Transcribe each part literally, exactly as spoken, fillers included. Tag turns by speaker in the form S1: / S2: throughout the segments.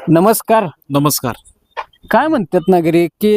S1: नमस्कार.
S2: नमस्कार.
S1: काय म्हणतात नागरिक की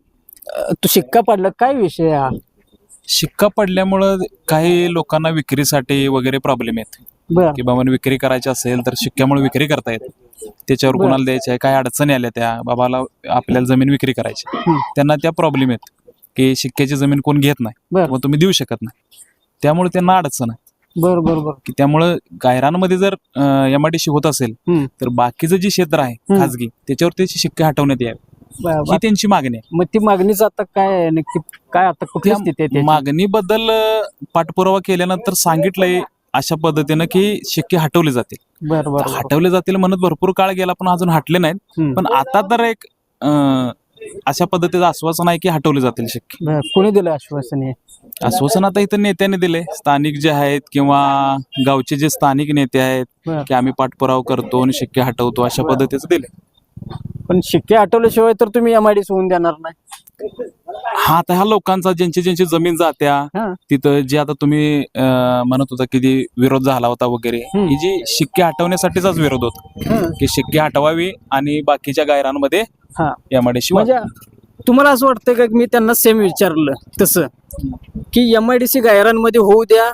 S1: अ, तू शिक्का पडला काय विषय हा?
S2: शिक्का पडल्यामुळं काही लोकांना विक्रीसाठी वगैरे प्रॉब्लेम येत
S1: बर
S2: की बाबा विक्री करायची असेल तर शिक्क्यामुळे विक्री करता येत त्याच्यावर
S1: बरं.
S2: कोणाला द्यायची आहे, काय अडचणी आल्या त्या बाबाला आपल्याला जमीन विक्री करायची,
S1: हं.
S2: त्यांना त्या प्रॉब्लेम येत की शिक्क्याची जमीन कोण घेत नाही,
S1: बर
S2: मग तुम्ही देऊ शकत नाही, त्यामुळे त्यांना अडचण आहे
S1: बर बर बर
S2: की त्यामुळं गायरानमध्ये जर एम आय डी सी होत असेल
S1: हं.
S2: तर बाकीचं जे क्षेत्र आहे
S1: हं.
S2: खाजगी त्याच्यावर त्याची शिक्के हटवण्यात यावे
S1: बर,
S2: ही
S1: बर.
S2: त्यांची मागणी आहे.
S1: मग ती मागणीच आता काय आहे नक्की काय आता कुठली
S2: त्या
S1: स्थिती आहे त्याची?
S2: मागणीबद्दल अ, पाठपुरावा केल्यानंतर सांगितलंय अशा पद्धतीनं की शिक्के हटवले जातील.
S1: बर बर
S2: तर
S1: बर.
S2: हटवले जातील म्हणत भरपूर काळ गेला पण अजून हटले नाहीत.
S1: हं.
S2: पण आता तर एक अ, अशा पद्धतीचं आश्वासन आहे की हटवले जातील शिक्के.
S1: बर कोणी दिलं आश्वासन हे?
S2: आश्वासन आता इथं नेत्यांनी दिले, स्थानिक जे आहेत किंवा गावचे जे स्थानिक नेते आहेत
S1: बर
S2: की आम्ही पाठपुरावा करतो आणि शिक्के हटवतो अशा
S1: बर.
S2: पद्धतीचं दिले.
S1: पण शिक्के हटवल्याशिवाय तर तुम्ही एम आय डी होऊन देणार नाही.
S2: हा आता ह्या लोकांचा ज्यांची ज्यांची जमीन जात्या
S1: हा
S2: तिथं जे आता तुम्ही अं, म्हणत होता की जी विरोध झाला होता वगैरे
S1: हम्म.
S2: ही जी शिक्के हटवण्यासाठीचाच विरोध होता
S1: हा.
S2: की शिक्के हटवावी आणि बाकीच्या गायरांमध्ये
S1: हा
S2: यामध्ये
S1: म्हणजे तुम्हाला असं वाटतं का की मी त्यांना सेम विचारलं तसं की एम आय डी सी गायरांमध्ये होऊ द्या,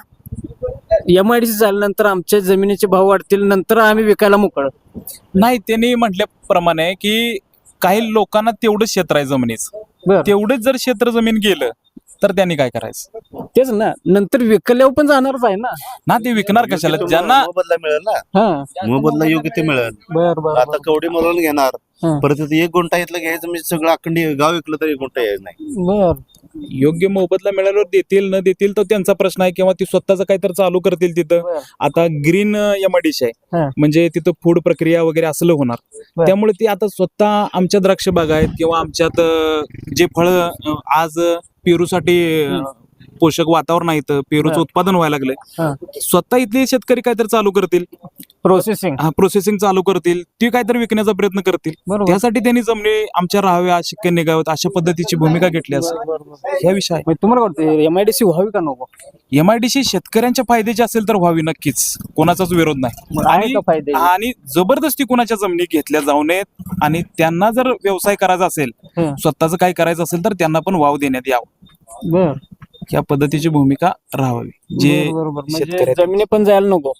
S1: एम आय डी सी झाल्यानंतर आमच्या जमिनीचे भाव वाढतील नंतर आम्ही विकायला मोकळ.
S2: नाही त्यांनी म्हटल्याप्रमाणे की काही लोकांना तेवढंच क्षेत्र आहे जमिनीचं,
S1: बर
S2: तेवढंच जर क्षेत्र जमीन गेलं तर त्यांनी काय करायचं
S1: तेच ना नंतर विकल्यावर पण जाणारच आहे ना.
S2: ना, ते विकणार कशाला ज्यांना
S3: मोबदला मिळेल ना,
S1: हा
S3: मोबदला योग्य ते मिळेल.
S1: बर बर
S3: आता कवडी मोलाला घेणार,
S1: हा.
S3: परत इथं एक गुंठा इथलं घ्यायचं म्हणजे सगळं अखंड गाव विकलं तरी एक गुंठा यायचं नाही.
S1: बर
S2: योग्य मोबदला मिळाल्यावर देतील न देतील तो त्यांचा प्रश्न आहे किंवा ती स्वतःच काहीतरी चालू करतील तिथं.
S1: बर.
S2: आता ग्रीन एमआयडीसी आहे
S1: हा.
S2: म्हणजे तिथं फूड प्रक्रिया वगैरे असलं होणार,
S1: बर.
S2: त्यामुळे ती आता स्वतः आमच्या द्राक्ष बाग आहेत किंवा आमच्यात अं, जे फळ आज पेरूसाठी अं, पोषक वातावरण आहे इथं, पेरूचं
S1: बर.
S2: उत्पादन व्हायला लागलंय,
S1: हा.
S2: स्वतः इथले शेतकरी काहीतरी चालू करतील,
S1: प्रोसेसिंग
S2: हा प्रोसेसिंग चालू करतील, ती काहीतरी विकण्याचा प्रयत्न करतील.
S1: बरोबर.
S2: त्यासाठी त्यांनी जमिनी आमच्या राहाव्या, शिक्के निघाव्यात अशा पद्धतीची भूमिका घेतली असेल ह्या विषय आहे.
S1: म्हणजे तुम्हाला वाटतं एम आय डी सी व्हावी का नको?
S2: एमआयडीसी शेतकऱ्यांच्या फायद्याची असेल तर व्हावी नक्कीच, कोणाचाच विरोध नाही.
S1: मग आहे का फायदे?
S2: आणि जबरदस्ती कोणाच्या जमिनी घेतल्या जाऊ नयेत आणि त्यांना जर व्यवसाय करायचा असेल,
S1: हा.
S2: स्वतःच काय करायचं असेल तर त्यांना पण वाव देण्यात यावं,
S1: बर
S2: या पद्धतीची भूमिका राहावी. जे
S1: बर, बरोबर म्हणजे
S2: शेतकरी
S1: जमिनी पण जायला नको.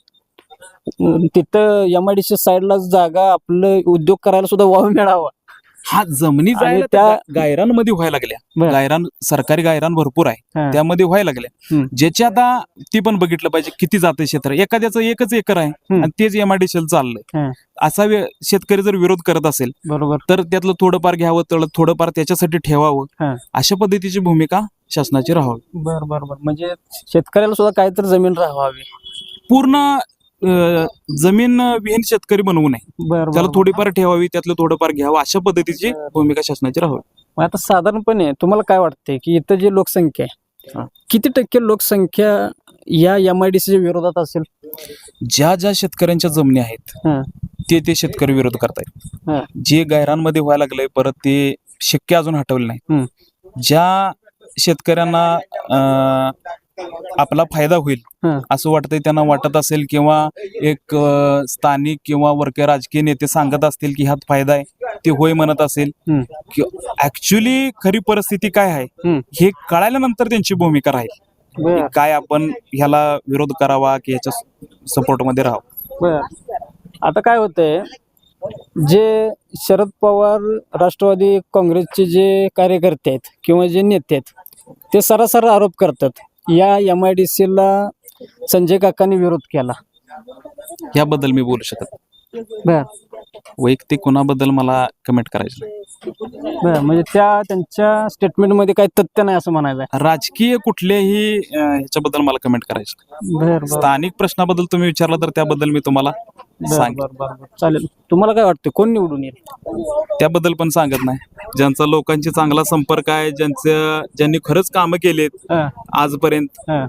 S1: अं, तिथं एम आय डी सी साईडला जागा आपलं उद्योग करायला सुद्धा वाव मिळावा.
S2: हा जमिनी
S1: आणि
S2: जायला
S1: त्या-
S2: त्या गायरांमध्ये व्हायला लागल्या,
S1: बर.
S2: गायरान सरकारी गायरान भरपूर आहे
S1: हा.
S2: त्यामध्ये व्हायला लागल्या,
S1: हम्म.
S2: ज्याची आता ती पण बघितलं पाहिजे किती जाते क्षेत्र, एखाद्याचं एकच एकर आहे
S1: हम्म.
S2: आणि तेच एमआयडीसी चाललंय,
S1: हा.
S2: असा वे- शेतकरी जर विरोध करत असेल
S1: बरोबर
S2: तर त्यातलं थोडंफार घ्यावं, तर थोडंफार त्याच्यासाठी ठेवावं,
S1: हा.
S2: अशा पद्धतीची भूमिका शासनाची राहावी.
S1: बर बर बर म्हणजे शेतकऱ्याला सुद्धा काहीतरी जमीन राहावी.
S2: पूर्ण अं, जमीन विहीन शेतकरी बनवू नये,
S1: बर
S2: त्याला
S1: बर.
S2: थोडीफार ठेवावी, त्यातलं थोडंफार घ्यावं, अशा पद्धतीची भूमिका शासनाची राहावी.
S1: मग आता साधारणपणे तुम्हाला काय वाटतंय की इथं जी लोकसंख्या
S2: हा.
S1: आहे किती टक्के लोकसंख्या या एम आय डी सी विरोधात असेल?
S2: ज्या ज्या शेतकऱ्यांच्या जमिनी आहेत
S1: हा.
S2: ते ते शेतकरी विरोध करतायत,
S1: हा.
S2: जे गायरांमध्ये व्हायला लागलंय परत ते शक्य अजून हटवले नाही.
S1: हम्म.
S2: ज्या शेतकऱ्यांना अं, आपला फायदा होईल
S1: हा.
S2: असं वाटतंय, त्यांना वाटत असेल किंवा एक अं, स्थानिक किंवा वरके राजकीय नेते सांगत असतील की ह्यात फायदा आहे, ते होय म्हणत असेल,
S1: हम्म.
S2: ऍक्च्युली खरी परिस्थिती काय आहे
S1: हम्म.
S2: हे कळाल्यानंतर त्यांची भूमिका राहील
S1: बर
S2: की काय आपण ह्याला विरोध करावा की ह्याच्या सपोर्टमध्ये राहावं.
S1: बर आता काय होतंय जे शरद पवार राष्ट्रवादी काँग्रेसचे जे कार्यकर्ते आहेत किंवा जे नेते आहेत ते सरासर आरोप करतात या एम आय डी सीला संजय काकांनी विरोध केला.
S2: याबद्दल मी बोलू शकत नाही.
S1: बर
S2: वैयक्तिक कुणाबद्दल मला कमेंट करायचं नाही.
S1: बर म्हणजे त्या त्यांच्या स्टेटमेंटमध्ये काही तथ्य नाही असं म्हणायचं आहे.
S2: राजकीय कुठल्याही अं, ह्याच्याबद्दल मला कमेंट करायचं नाही.
S1: बर बर
S2: स्थानिक प्रश्नाबद्दल तुम्ही विचारला तर त्याबद्दल मी तुम्हाला
S1: बर
S2: सांग
S1: बर बर बर. चालेल. तुम्हाला काय वाटतं कोण निवडून येईल?
S2: त्याबद्दल पण सांगत नाही. ज्यांचा लोकांशी चांगला संपर्क आहे, ज्यांचं ज्यांनी खरंच कामं केलेत
S1: हा,
S2: आजपर्यंत,
S1: हा.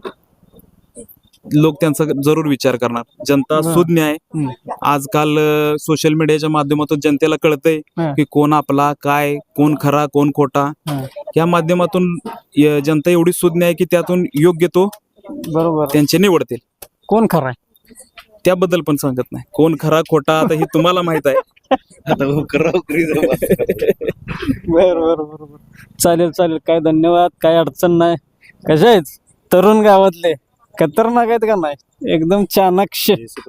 S2: लोक त्यांचा जरूर विचार करणार. जनता
S1: बरं.
S2: सुज्ञ आहे.
S1: हम्म.
S2: आजकाल सोशल मीडियाच्या माध्यमातून जनतेला कळतंय
S1: हा.
S2: की कोण आपला काय, कोण खरा कोण खोटा,
S1: हा.
S2: या माध्यमातून य- जनता एवढी सुज्ञ आहे की त्यातून योग्य तो
S1: बरोबर.
S2: त्यांचे निवडतील.
S1: कोण खरा आहे?
S2: त्याबद्दल पण सांगत नाही. कोण खरा खोटा आता हे तुम्हाला माहित आहे.
S3: आता उकरा उकरी जाऊ बस.
S1: बर बर बर बर चालेल चालेल काय धन्यवाद काय अडचण नाही कशा आहेत तरुण गावातले खतरनाक आहेत का नाही एकदम चाणाक्ष